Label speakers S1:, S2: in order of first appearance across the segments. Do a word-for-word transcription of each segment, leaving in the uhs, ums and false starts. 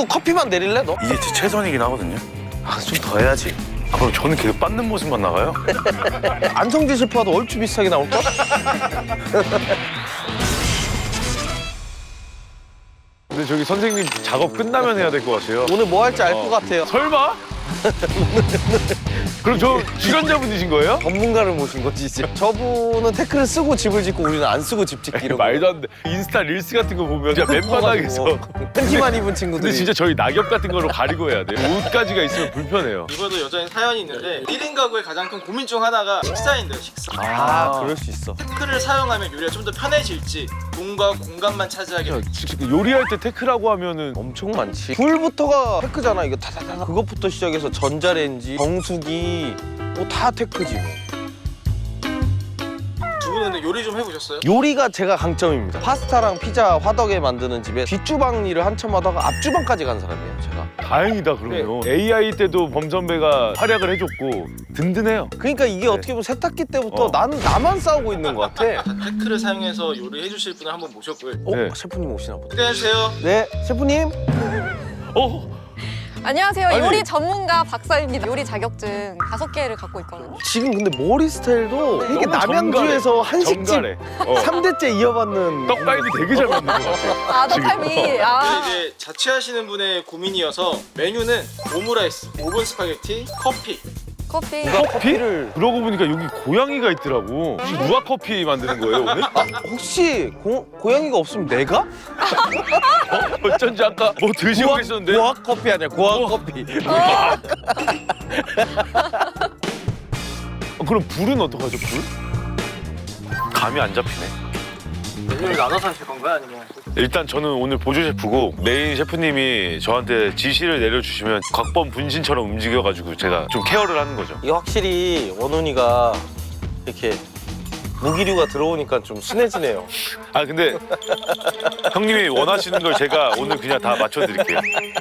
S1: 이거 커피만 내릴래 너?
S2: 이게 제 최선이긴 하거든요.
S1: 아, 좀 더 해야지.
S2: 아, 그럼 저는 계속 빻는 모습만 나가요?
S1: 안성재 셰프와도 얼추 비슷하게 나올까?
S2: 근데 저기 선생님 작업 끝나면 해야 될 것 같아요.
S1: 오늘 뭐 할지 알 것
S2: 어.
S1: 같아요.
S2: 설마? 그럼 저 출연자분이신 거예요?
S1: 전문가를 모신 거지 이제. 저분은 태클을 쓰고 집을 짓고 우리는 안 쓰고 집 짓기 이런 거.
S2: 말도 안 돼. 인스타 릴스 같은 거 보면 진짜 맨바닥에서.
S1: 팬티만 입은 친구들이.
S2: 근데 진짜 저희 낙엽 같은 거로 가리고 해야 돼요. 옷까지가 있으면 불편해요.
S3: 이번에도 여전히 사연이 있는데 일 인 가구의 가장 큰 고민 중 하나가 식사인데요, 식사.
S1: 아, 그럴 수 있어.
S3: 태클을 사용하면 요리가 좀 더 편해질지 돈과 공간만 차지하게 될지.
S2: 요리할 때 태크라고 하면은
S1: 엄청 많지. 불부터가 테크잖아. 이거 다다다. 그것부터 시작해서 전자레인지, 정수기 뭐 다 테크지. 뭐.
S3: 두 분은 근데 요리 좀 해보셨어요?
S1: 요리가 제가 강점입니다. 파스타랑 피자, 화덕에 만드는 집에 뒷주방 일을 한참 하다가 앞주방까지 간 사람이에요, 제가.
S2: 다행이다 그러면. 에이아이 때도 범 선배가 활약을 해줬고 든든해요.
S1: 그러니까 이게 어떻게 보면 세탁기 때부터
S2: 어.
S1: 나는 나만 싸우고 있는 것 같아.
S3: 자, 태클을 사용해서 요리해 주실 분을 한번 모셨고요.
S1: 어?
S2: 네.
S1: 셰프님 오시나 보다.
S3: 소개해주세요.
S1: 네, 셰프님.
S2: 어?
S4: 안녕하세요.
S2: 아니.
S4: 요리 전문가 박사입니다. 요리 자격증 다섯 개를 갖고 있거든요.
S1: 지금 근데 머리 스타일도 이게
S2: 너무
S1: 남양주에서 한식집
S2: 정갈해. 어.
S1: 삼 대째 이어받는.
S2: 떡갈비 되게 잘 만든 것 같아요.
S4: 아, 떡갈비. 아.
S3: 근데 이제 자취하시는 분의 고민이어서 메뉴는 오므라이스, 오븐 스파게티, 커피.
S4: 커피.
S1: 누가 커피를.
S2: 그러고 보니까 여기 고양이가 있더라고. 혹시 누가 커피 만드는 거예요 오늘?
S1: 혹시 고, 고양이가 없으면 내가?
S2: 어? 어쩐지 아까 뭐 드시고 계셨는데.
S1: 고학 커피 아니야, 고학
S2: 어.
S1: 커피.
S2: 어, 그럼 불은 어떡하죠 불? 감이 안 잡히네.
S3: 메뉴를 나눠서 하실 건가요? 아니면?
S2: 일단 저는 오늘 보조 셰프고 메인 셰프님이 저한테 지시를 내려주시면 각본 분신처럼 움직여가지고 제가 좀 케어를 하는 거죠.
S1: 이게 확실히 원훈이가 이렇게 무기류가 들어오니까 좀 순해지네요.
S2: 아 근데 형님이 원하시는 걸 제가 오늘 그냥 다 맞춰드릴게요.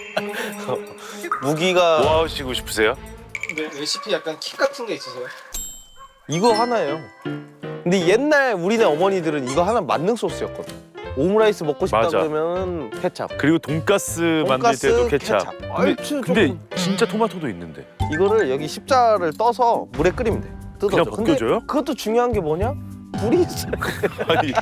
S1: 무기가
S2: 뭐 하시고 싶으세요?
S3: 네, 레시피 약간 킥 같은 게 있으세요?
S1: 이거 하나예요. 근데 옛날 우리네 어머니들은 이거 하나 만능 소스였거든. 오므라이스 먹고 싶다
S2: 맞아.
S1: 그러면 케찹.
S2: 그리고 돈가스, 만들
S1: 돈가스,
S2: 때도 케찹.
S1: 케찹.
S2: 근데,
S1: 얼추
S2: 근데
S1: 조금.
S2: 진짜 토마토도 있는데.
S1: 이거를 여기 십자를 떠서 물에 끓이면 돼. 뜯어져.
S2: 그냥 벗겨져요?
S1: 근데 그것도 중요한 게 뭐냐? 물이 있어요.
S2: 아니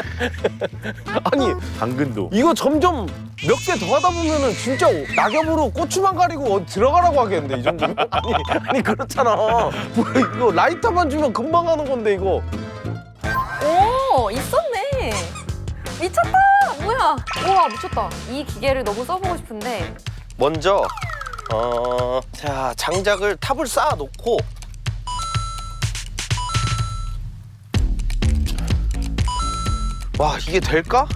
S1: 아니
S2: 당근도.
S1: 이거 점점 몇 개 더 하다 보면은 진짜 낙엽으로 고추만 가리고 어디 들어가라고 하겠는데 이 정도면? 아니, 아니 그렇잖아. 뭐 이거 라이터만 주면 금방 하는 건데 이거.
S4: 오, 있었네. 미쳤다. 뭐야? 우와, 미쳤다. 이 기계를 너무 써보고 싶은데.
S1: 먼저 어, 자 장작을 탑을 쌓아 놓고 와 이게 될까?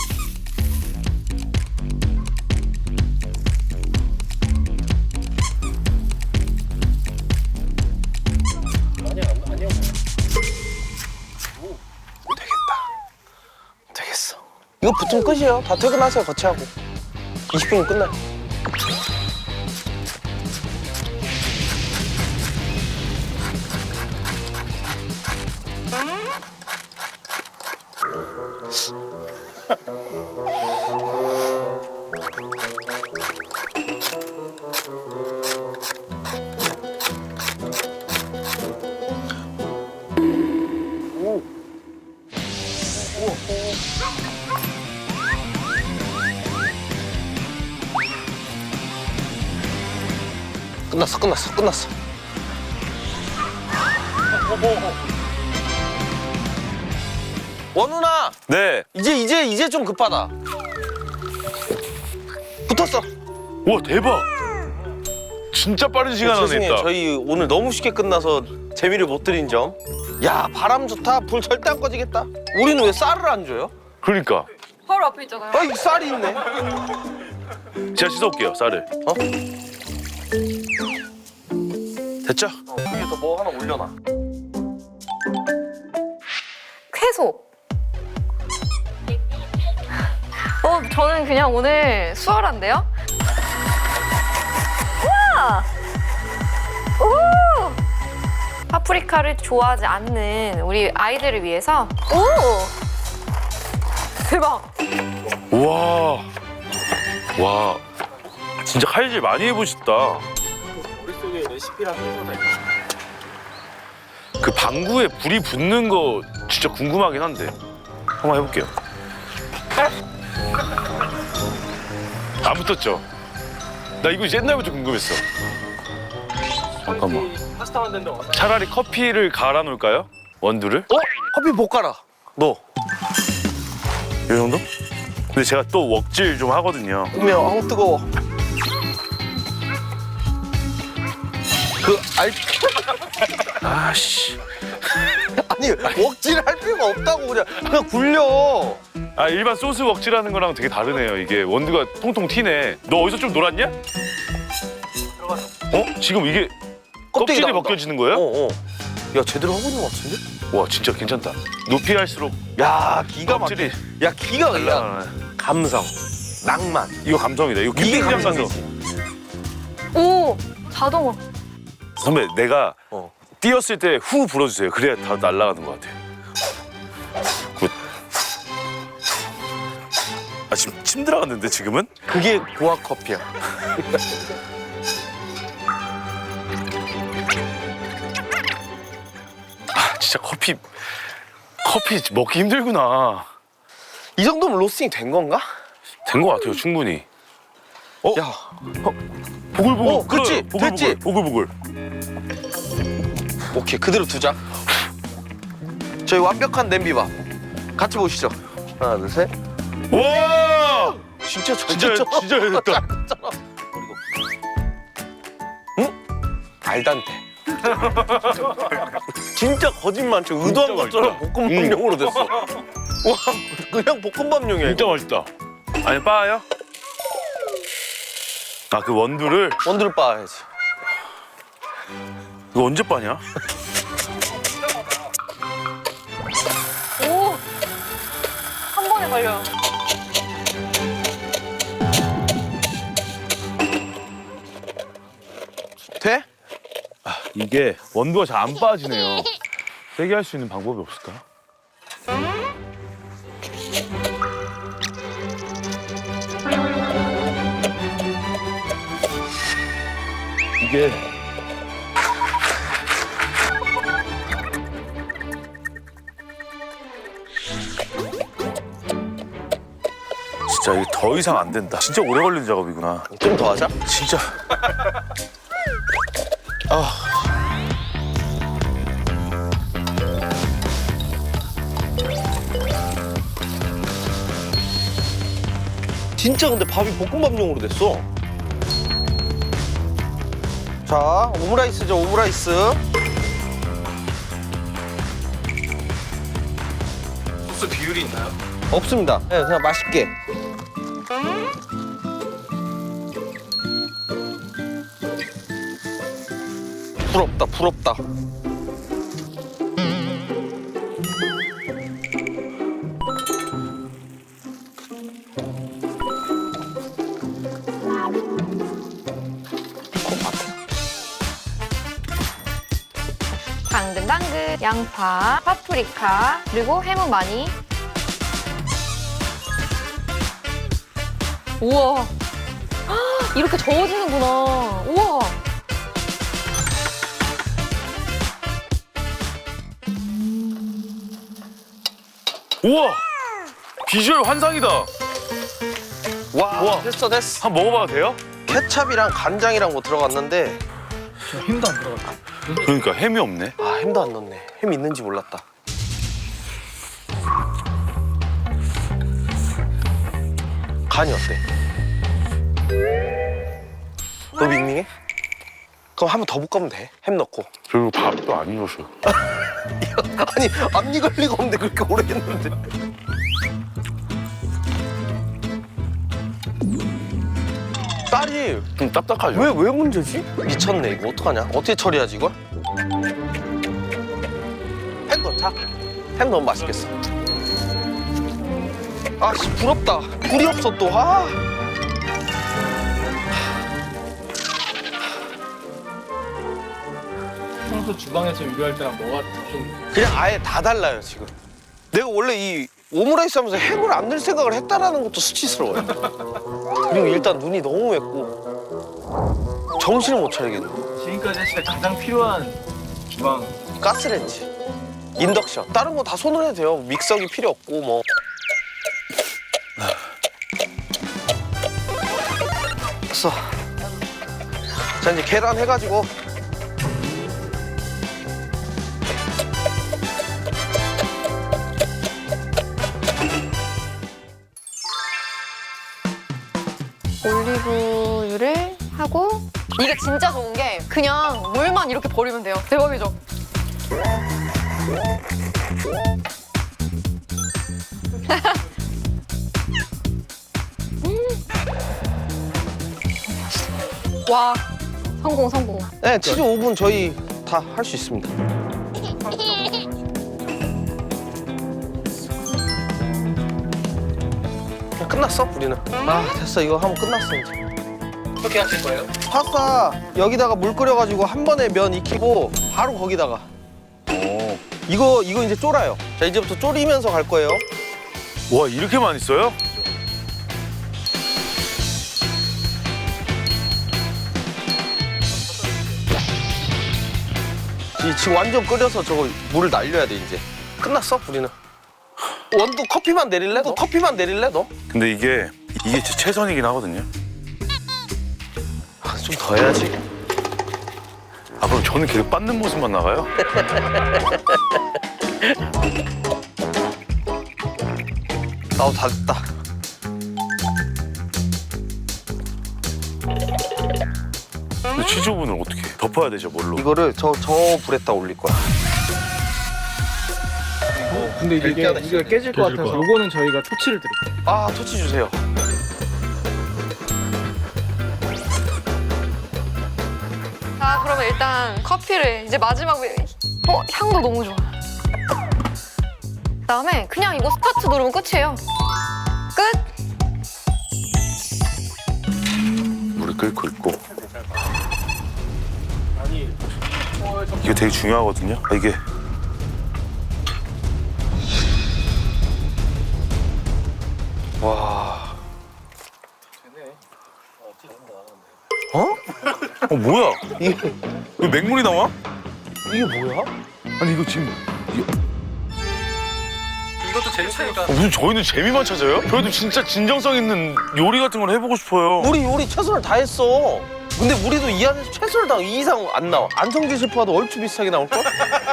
S1: 되겠어. 이거 붙으면 끝이에요. 다 퇴근하세요. 거치하고. 이십 분이면 끝나요. 끝났어, 끝났어, 끝났어. 원훈아,
S2: 네.
S1: 이제 이제 이제 좀 급하다. 붙었어.
S2: 와 대박. 진짜 빠른 시간 안에
S1: 죄송해요.
S2: 했다.
S1: 저희 오늘 너무 쉽게 끝나서 재미를 못 드린 점. 야, 바람 좋다. 불 절대 안 꺼지겠다. 우리는 왜 쌀을 안 줘요?
S2: 그러니까
S4: 바로 앞에 있잖아요.
S1: 아, 이 쌀이 있네.
S2: 제가 씻어올게요 쌀을.
S1: 어? 됐죠? 어, 위에서 뭐 하나 올려놔.
S4: 쾌소. 어, 저는 그냥 오늘 수월한데요? 우와! 오! 파프리카를 좋아하지 않는 우리 아이들을 위해서 오! 대박!
S2: 와. 와. 진짜 칼질 많이 해보셨다.
S3: 머릿속에 레시피랑 다 있다.
S2: 그 방구에 불이 붙는 거 진짜 궁금하긴 한데 한번 해볼게요. 안 붙었죠? 나 이거 옛날부터 궁금했어. 잠깐만.
S3: 파스타 만드는데 얼마나
S2: 차라리 커피를 갈아 놓을까요? 원두를?
S1: 어? 커피 못 갈아. 너.
S2: 이 정도? 근데 제가 또 웍질 좀 하거든요.
S1: 어머, 아우 뜨거워. 그 알.
S2: 아씨.
S1: 아니 웍질 할 필요가 없다고 그냥 그냥 굴려.
S2: 아 일반 소스 웍질하는 거랑 되게 다르네요. 이게 원두가 통통 튀네. 너 어디서 좀 놀았냐? 어? 지금 이게
S1: 껍데기
S2: 껍질이
S1: 나온다.
S2: 벗겨지는 거예요?
S1: 어, 어. 야 제대로 하고 있는 것 같은데?
S2: 와 진짜 괜찮다. 높이 갈수록
S1: 야 기가 막혀.
S2: 껍질이
S1: 야 기가 막혀. 야,
S2: 아,
S1: 감성, 낭만.
S2: 이거 감성이다. 이거
S1: 이게
S2: 캠핑장 가서
S1: 감성이지.
S4: 오 자동으로.
S2: 선배 내가
S1: 어.
S2: 뛰었을 때 후 불어주세요. 그래야 다 날아가는 것 같아요. 굿. 아 지금 침 들어갔는데 지금은?
S1: 그게 고학 커피야.
S2: 아 진짜 커피 커피 먹기 힘들구나.
S1: 이 정도면 로스팅 된 건가?
S2: 된 것 같아요 충분히. 어?
S1: 야,
S2: 보글보글.
S1: 어, 그치?
S2: 끓어요. 보글보글.
S1: 됐지?
S2: 보글보글.
S1: 오케이 그대로 두자. 저희 완벽한 냄비밥 같이 보시죠. 하나, 둘, 셋.
S2: 와!
S1: 진짜 잘
S2: 진짜
S1: 됐잖아.
S2: 진짜 됐다.
S1: 응? 알단테. 진짜 거짓말 쳐. 의도한
S2: 진짜
S1: 것처럼
S2: 맛있다.
S1: 볶음밥용으로 됐어. 와, 그냥 볶음밥용이야.
S2: 진짜
S1: 이거.
S2: 맛있다. 아니 빠요? 아 그 원두를
S1: 원두를 빻아야지.
S2: 이거 언제 빠냐?
S4: 오. 한 번에 걸려요.
S1: 돼?
S2: 이게 원두가 잘 안 빠지네요. 세게 할 수 있는 방법이 없을까? 이게 진짜 이게 더 이상 안 된다. 진짜 오래 걸리는 작업이구나.
S1: 좀 더 하자.
S2: 진짜.
S1: 진짜 근데 밥이 볶음밥용으로 됐어. 자, 오므라이스죠, 오므라이스.
S3: 소스 비율이 있나요?
S1: 없습니다. 네, 그냥 맛있게. 부럽다, 부럽다.
S4: 당근당근, 양파, 파프리카, 그리고 해무 많이. 우와. 헉, 이렇게 저어지는구나. 우와.
S2: 우와! 비주얼 환상이다.
S1: 와,
S2: 우와.
S1: 됐어, 됐어.
S2: 한번 먹어봐도 돼요?
S1: 케찹이랑 간장이랑 뭐 들어갔는데
S3: 힘도 안 들어갔다.
S2: 그러니까 햄이 없네.
S1: 아, 햄도 안 넣었네. 햄 있는지 몰랐다. 간이 어때? 너 밍밍해? 그럼 한 번 더 볶으면 돼. 햄 넣고.
S2: 그리고 밥도 안 익었어요.
S1: 아니, 안 익을 리가 없는데 그렇게 오래 했는데. 쌀이
S2: 좀 딱딱하죠?
S1: 왜, 왜 문제지? 미쳤네, 이거. 어떡하냐? 어떻게 처리하지, 이걸? 햄 넣자. 햄 넣으면 맛있겠어. 아, 씨, 부럽다. 불이 없어, 또. 아.
S3: 평소 주방에서 요리할 때랑 뭐가 좀
S1: 그냥 아예 다 달라요, 지금. 내가 원래 이 오므라이스 하면서 햄을 안 넣을 생각을 했다라는 것도 수치스러워요. 그리고 일단 눈이 너무 맵고 정신을 못 차리겠네.
S3: 지금까지 진짜 가장 필요한 주방.
S1: 가스레인지, 인덕션, 다른 거 다 손으로 해도 돼요. 믹서기 필요 없고 뭐. 됐어. 자 이제 계란 해가지고
S4: 올리브유를 하고 이게 진짜 좋은 게 그냥 물만 이렇게 버리면 돼요. 대박이죠? 음. 와, 성공 성공.
S1: 네 치즈 오븐 저희 다 할 수 있습니다. 그냥 끝났어 우리는. 아 됐어 이거 하면 끝났어 이제.
S3: 어떻게 하실 거예요?
S1: 파스타 여기다가 물 끓여가지고 한 번에 면 익히고 바로 거기다가
S2: 오.
S1: 이거 이거 이제 졸아요. 자 이제부터 졸이면서 갈 거예요.
S2: 와 이렇게 많이 써요?
S1: 이 지금 완전 끓여서 저거 물을 날려야 돼 이제. 끝났어 우리는. 원두 커피만 내릴래? 너 커피만 내릴래 너?
S2: 근데 이게 이게 제 최선이긴 하거든요.
S1: 아, 좀 더 해야지.
S2: 아 그럼 저는 계속 빻는 모습만 나가요?
S1: 아우 다 됐다.
S2: 근데 치즈 오븐을 어떻게 덮어야 되죠 뭘로?
S1: 이거를 저 저 불에다 올릴 거야.
S3: 근데 이게
S1: 이렇게 하다
S3: 이게 깨질 것 같아서 요거는 저희가 토치를 드릴게요.
S1: 아 토치 주세요.
S4: 자, 그러면 일단 커피를 이제 마지막에 어, 향도 너무 좋아. 그다음에 그냥 이거 스타트 누르면 끝이에요. 끝.
S2: 물이 끓고 있고
S3: 아니,
S2: 이게 되게 중요하거든요. 아, 이게
S1: 와.
S3: 되네.
S1: 어?
S2: 어 뭐야?
S1: 이게
S2: 왜 맹물이 나와?
S1: 이게 뭐야?
S2: 아니 이거 지금 이게-
S3: 이것도 재밌으니까.
S2: 어, 무슨 저희는 재미만 찾아요? 저희도 진짜 진정성 있는 요리 같은 걸 해보고 싶어요.
S1: 우리 요리 최선을 다했어. 근데 우리도 이 안에서 최선을 다 이 이상 안 나와. 안성기 셰프와도 얼추 비슷하게 나올 걸?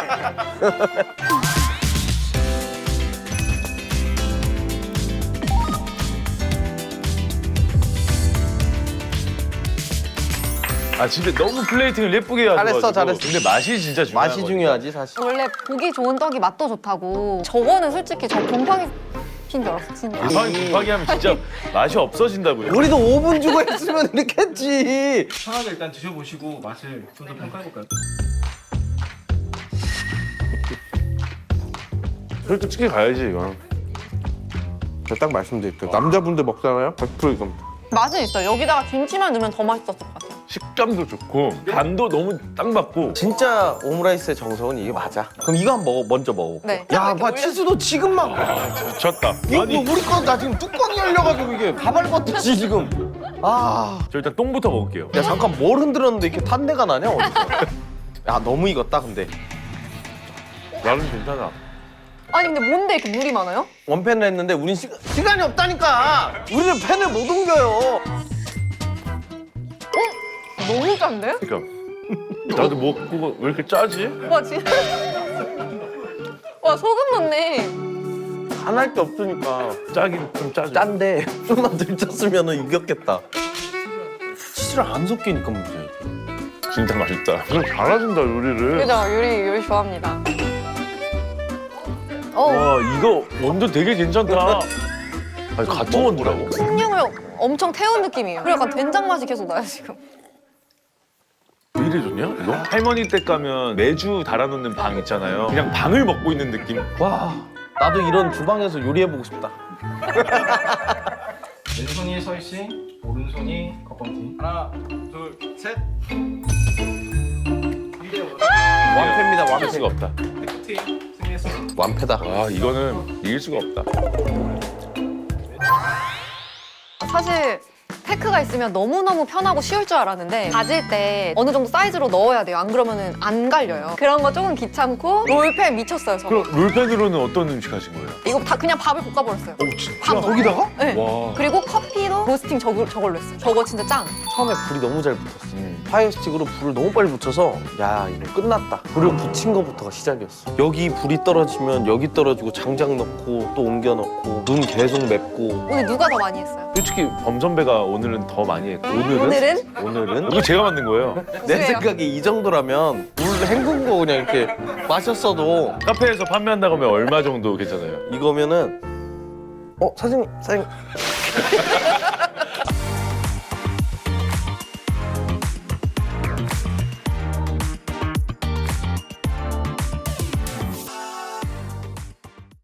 S2: 아 진짜 너무 플레이팅을 예쁘게 해가지고
S1: 잘했어, 잘했어.
S2: 근데 맛이 진짜 중요한
S1: 맛이
S2: 거니까.
S1: 중요하지 사실.
S4: 원래 보기 좋은 떡이 맛도 좋다고. 저거는 솔직히 저 곰팡이 핀 줄 알았어, 진짜.
S2: 곰팡이 곰팡이 하면 진짜 맛이 없어진다고요.
S1: 우리도 오 분 주고 했으면 이렇게 했지.
S3: 편하게 일단 드셔보시고 맛을 좀 더 평가해볼까요?
S2: 솔직히 가야지 이건.
S1: 제가 딱 말씀드릴게요. 남자분들 먹잖아요. 백 퍼센트 이겁니다.
S4: 맛은 있어요. 여기다가 김치만 넣으면 더 맛있었을 것 같아요.
S2: 식감도 좋고 간도 너무 딱 맞고.
S1: 진짜 오므라이스의 정석은 이게 맞아. 그럼 이거 한번 먹어, 먼저 먹어.
S4: 네.
S1: 야,
S4: 이렇게
S1: 봐
S4: 올려서-
S1: 치즈도 지금 막
S2: 졌다.
S1: 이거
S2: 아니
S1: 뭐 우리 거 나 지금 뚜껑이 열려가지고 이게 가발벗듯이 지금. 아,
S2: 저 일단 똥부터 먹을게요.
S1: 야 잠깐 뭘 흔들었는데 이렇게 탄내가 나냐 어디서? 야 너무 익었다 근데.
S2: 나는 괜찮아.
S4: 아니 근데 뭔데 이렇게 물이 많아요?
S1: 원팬을 했는데 우린 시, 시간이 없다니까. 우리는 팬을 못 옮겨요.
S4: 너무 짠데?
S2: 그러니까 나도 먹고 왜 이렇게 짜지?
S4: 와 진짜. 와 소금 넣네.
S1: 안 할 게 없으니까.
S2: 짜긴 좀 짜죠.
S1: 짠데 좀만 덜 짰으면 이겼겠다. 치즈를 안 섞이니까 문제야. 이게.
S2: 진짜 맛있다. 그럼 잘하신다 요리를.
S4: 그죠? 요리 요리 좋아합니다. 어
S2: 와 이거 원두 되게 괜찮다. 아니 같은 원두라고?
S4: 숭늉을 엄청 태운 느낌이에요. 그리고 약간 된장 맛이 계속 나요 지금.
S2: 왜 이래 좋냐 이거? 할머니 댁 가면 매주 달아놓는 방 있잖아요. 그냥 방을 먹고 있는 느낌.
S1: 와 나도 이런 주방에서 요리해보고 싶다.
S3: 왼손이 서이싱, 오른손이 겉범티. 하나, 둘, 셋.
S1: 완패입니다
S2: 할
S1: 완패.
S2: 수가 없다.
S3: 팀 승리했습니다.
S1: 완패다.
S2: 와 이거는 이길 수가 없다.
S4: 사실 테크가 있으면 너무너무 편하고 쉬울 줄 알았는데 다질 때 어느 정도 사이즈로 넣어야 돼요. 안 그러면은 안 갈려요. 그런 거 조금 귀찮고 롤팬 미쳤어요, 저.
S2: 그럼 롤펜으로는 어떤 음식 하신 거예요?
S4: 이거 다 그냥 밥을 볶아버렸어요.
S2: 오 진짜?
S4: 밥 넣고.
S1: 거기다가?
S4: 네.
S2: 와.
S4: 그리고 커피도 로스팅 저걸, 저걸로 했어요. 저거 진짜 짱.
S1: 처음에 불이 너무 잘 붙었어.
S2: 음.
S1: 파이어 스틱으로 불을 너무 빨리 붙여서 야 이거 끝났다. 불을 붙인 거부터가 시작이었어. 여기 불이 떨어지면 여기 떨어지고 장작 넣고 또 옮겨 넣고 눈 계속 맵고.
S4: 오늘 누가 더 많이 했어요?
S2: 솔직히 범 선배가 오늘은 더 많이 했고 오늘은?
S4: 오늘은?
S1: 오늘은
S2: 이거 제가 만든 거예요.
S1: 내
S4: 그래요.
S1: 생각에 이 정도라면 물 헹군 거 그냥 이렇게 마셨어도
S2: 카페에서 판매한다고 하면 얼마 정도 괜찮아요?
S1: 이거면은 어 사장님 사장님